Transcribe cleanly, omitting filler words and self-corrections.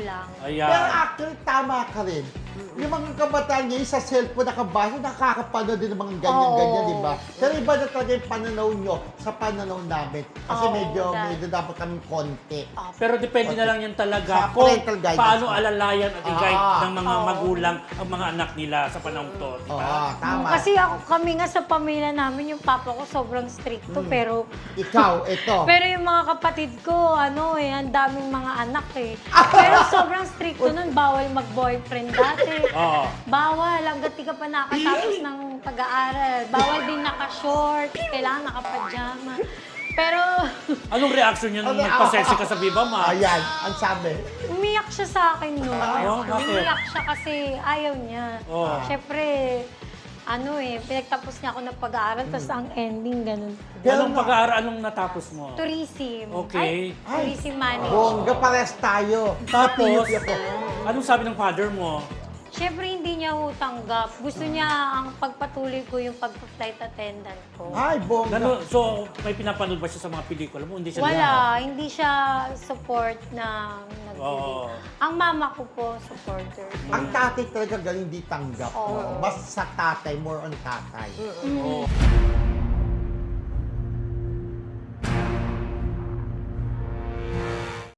lang. Ayan. Pero actually, tama ka rin. Yung mga kabataan ngayon sa cellphone nakabasa, nakakapanood din ng mga ganyan-ganyan, Oo. di ba? Pero iba na talaga yung pananaw nyo sa pananaw namin. Kasi Oo, medyo dahil- dapat kaming konti. Pero depende na lang yan Sa talaga kung parental guidance. paano alalayan at i-guide ng mga Oo. magulang ang mga anak nila sa panahon to. Di Oo, ba? tama. Kasi kami nga sa pamilya namin, yung papa ko sobrang stricto, pero Ikaw, ito. pero yung mga kapatid ko, ang daming mga anak eh. Pero sobrang stricto nun, bawal mag-boyfriend dati. Oo. Bawal, hanggat di ka pa nakatapos ng pag-aaral. Bawal din naka-short, kailangan naka-pajama. Pero Anong reaction niya nung nagpa-sexy ka sa Viva Max? Ayan, ang sabi. umiyak siya sa akin no. Oh, bakit? Umiyak siya kasi ayaw niya. Oh. Siyempre, pinagtapos niya ako ng pag-aaral, tapos ang ending, ganun. Anong pag-aaral, anong natapos mo? Tourism. Okay. Tourism management. Bongga, pares tayo. Tapos, Napiyot ako. anong sabi ng father mo? Siyempre, hindi niya ho tanggap. Gusto niya ang pagpatuloy ko yung pag-flight attendant ko. Ay, bongga. So, may pinapanood ba siya sa mga pelikula mo? Hindi siya Wala, hindi siya support na nagbibig. Oo. Ang mama ko po, supporter. Ang tatay talaga galing di tanggap. Oo. No? Mas sa tatay, more on tatay. Oo.